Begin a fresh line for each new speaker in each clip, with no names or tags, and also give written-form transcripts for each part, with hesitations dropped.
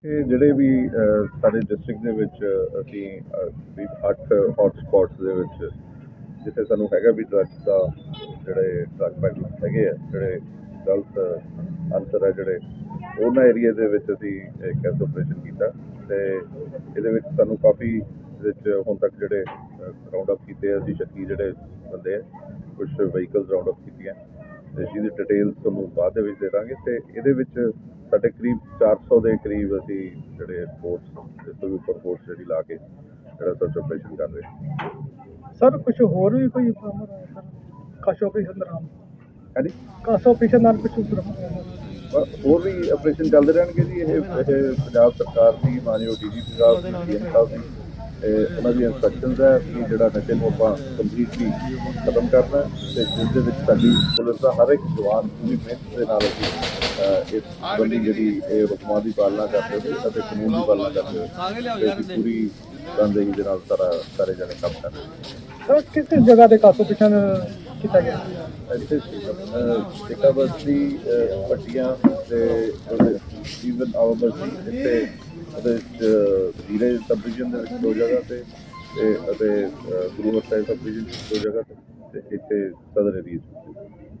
ਇਹ ਜਿਹੜੇ ਵੀ ਸਾਡੇ ਡਿਸਟ੍ਰਿਕਟ ਦੇ ਵਿੱਚ ਅਸੀਂ ਵੀ 8 ਹੌਟ ਸਪੌਟਸ ਦੇ ਵਿੱਚ ਜਿੱਥੇ ਸਾਨੂੰ ਹੈਗਾ ਵੀ ਡਰੱਗਸ ਦਾ ਜਿਹੜੇ ਡਰੱਗ ਪੈਡਲਰ ਹੈਗੇ ਆ, ਜਿਹੜੇ ਗਲਤ ਅਨਸਰ ਹੈ ਜਿਹੜੇ ਉਹਨਾਂ ਏਰੀਆ ਦੇ ਵਿੱਚ ਅਸੀਂ ਇੱਕ ਐਸਾ ਆਪਰੇਸ਼ਨ ਕੀਤਾ ਅਤੇ ਇਹਦੇ ਵਿੱਚ ਸਾਨੂੰ ਕਾਫੀ ਇਹਦੇ ਵਿੱਚ ਹੁਣ ਤੱਕ ਜਿਹੜੇ ਰਾਊਂਡ ਅਪ ਕੀਤੇ ਆ ਅਸੀਂ ਸ਼ੱਕੀ ਜਿਹੜੇ ਬੰਦੇ ਆ, ਕੁਛ ਵਹੀਕਲਸ ਰਾਊਂਡ ਅਪ ਕੀਤੀਆਂ ਅਤੇ ਜਿਹਦੀ ਡਿਟੇਲਸ ਤੁਹਾਨੂੰ ਬਾਅਦ ਦੇ ਵਿੱਚ ਦੇ ਦਾਂਗੇ। ਅਤੇ ਇਹਦੇ ਵਿੱਚ ਸਾਡੇ ਕਰੀਬ 400 ਦੇ ਕਰੀਬ ਅਸੀਂ ਜਿਹੜੇ ਫੋਰਸ ਇਸ ਤੋਂ ਵੀ ਉੱਪਰ ਫੋਰਸ ਜਿਹੜੀ ਲਾ ਕੇ ਜਿਹੜਾ ਸਰਚ ਆਪਰੇਸ਼ਨ ਕਰ ਰਹੇ।
ਸਰ ਕੁਛ ਹੋਰ ਵੀ ਕੋਈ ਬਰਾਮਦ ਹੋਇਆ ਸਰ ਕਾਸ਼ ਆਪਰੇਸ਼ਨ ਦੌਰਾਨ?
ਹਾਂਜੀ,
ਕਾਸ਼ ਆਪਰੇਸ਼ਨ ਨਾਲ ਕੁਛ ਬਰਾਮਦ ਹੋਇਆ?
ਹੋਰ ਵੀ ਆਪਰੇਸ਼ਨ ਚੱਲਦੇ ਰਹਿਣਗੇ ਜੀ। ਇਹ ਪੰਜਾਬ ਸਰਕਾਰ ਦੀ ਮਾਨਯੋਗ ਡੀਜੀਪੀ ਸਾਹਿਬ ਦੀ ਸੀਐਮ ਸਾਹਿਬ ਦੀ ਉਹਨਾਂ ਦੀ ਇੰਸਟਰਕਸ਼ਨਸ ਹੈ ਕਿ ਜਿਹੜਾ ਨਸ਼ੇ ਨੂੰ ਆਪਾਂ ਕੰਪਲੀਟਲੀ ਖਤਮ ਕਰਨਾ ਅਤੇ ਜਿਸ ਦੇ ਵਿੱਚ ਸਾਡੀ ਪੁਲਿਸ ਦਾ ਹਰ ਇੱਕ ਜਵਾਨ ਪੂਰੀ ਮਿਹਨਤ ਦੇ ਨਾਲ ਅਸੀਂ ਇਸ ਸੰਬੰਧੀ ਜਿਹੜੀ ਇਹ ਹੁਕਮਾਂ ਦੀ ਪਾਲਣਾ ਕਰਦੇ ਹੋਏ ਅਤੇ ਕਾਨੂੰਨ ਦੀ ਪਾਲਣਾ ਕਰਦੇ ਹੋਏ ਅਸੀਂ ਪੂਰੀ ਤਨਦੇਹੀ ਦੇ ਨਾਲ ਸਾਰੇ ਜਣੇ ਕੰਮ ਕਰ ਰਹੇ।
ਸਰ ਕਿਸ ਜਗ੍ਹਾ ਤੇ ਕਾਸ਼ ਆਪਰੇਸ਼ਨ ਕੀਤਾ ਗਿਆ?
ਇੱਥੇ ਸਿੱਕਾ ਬਸਤੀ ਪੱਟੀਆਂ ਅਤੇ ਈਵਨ ਆਵਾ ਬਸਤੀ ਇੱਥੇ ਉਹਦੇ ਵਿੱਚ ਜ਼ੀਰੇ ਸਬ ਡਿਵੀਜ਼ਨ ਦੇ ਵਿੱਚ 2 ਜਗ੍ਹਾ 'ਤੇ ਅਤੇ ਗੁਰੂ ਸਾਹਿਬ ਸਬ ਡਿਵੀਜ਼ਨ 2 ਜਗ੍ਹਾ 'ਤੇ ਅਤੇ ਇੱਥੇ ਸਦਰ ਏਰੀਆ।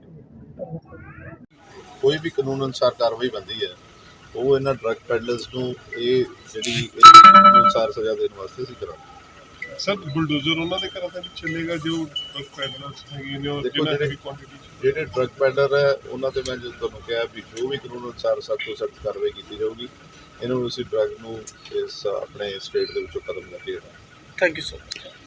ਕੋਈ ਵੀ ਕਾਨੂੰਨ ਅਨੁਸਾਰ ਕਾਰਵਾਈ ਬਣਦੀ ਹੈ ਉਹ ਇਹਨਾਂ ਡਰੱਗ ਪੈਡਲਰਸ ਨੂੰ ਇਹ ਜਿਹੜੀ ਕਾਨੂੰਨ ਅਨੁਸਾਰ ਸਜ਼ਾ ਦੇਣ ਵਾਸਤੇ ਅਸੀਂ ਕਰਾਂਗੇ।
ਸਰ ਬੁਲਡੋਜ਼ਰ ਉਹਨਾਂ ਦੇ ਘਰਾਂ ਤੇ ਚੱਲੇਗਾ ਜੋ ਡਰੱਗ ਪੈਡਲਰਸ ਹੈਗੇ ਨੇ ਔਰ
ਜਿਹੜੇ ਡਰੱਗ ਪੈਡਲਰ ਹੈ ਉਹਨਾਂ ਤੇ ਮੈਂ ਜੋ ਤੁਹਾਨੂੰ ਕਿਹਾ ਵੀ ਜੋ ਵੀ ਕਾਨੂੰਨ ਅਨੁਸਾਰ ਸਖਤ ਤੋਂ ਸਖਤ ਕਾਰਵਾਈ ਕੀਤੀ ਜਾਊਗੀ। ਇਹਨਾਂ ਨੂੰ ਅਸੀਂ ਡਰੱਗ ਨੂੰ ਇਸ ਆਪਣੇ ਸਟੇਟ ਦੇ ਵਿੱਚੋਂ ਖਤਮ ਕਰਕੇ।
Thank you sir.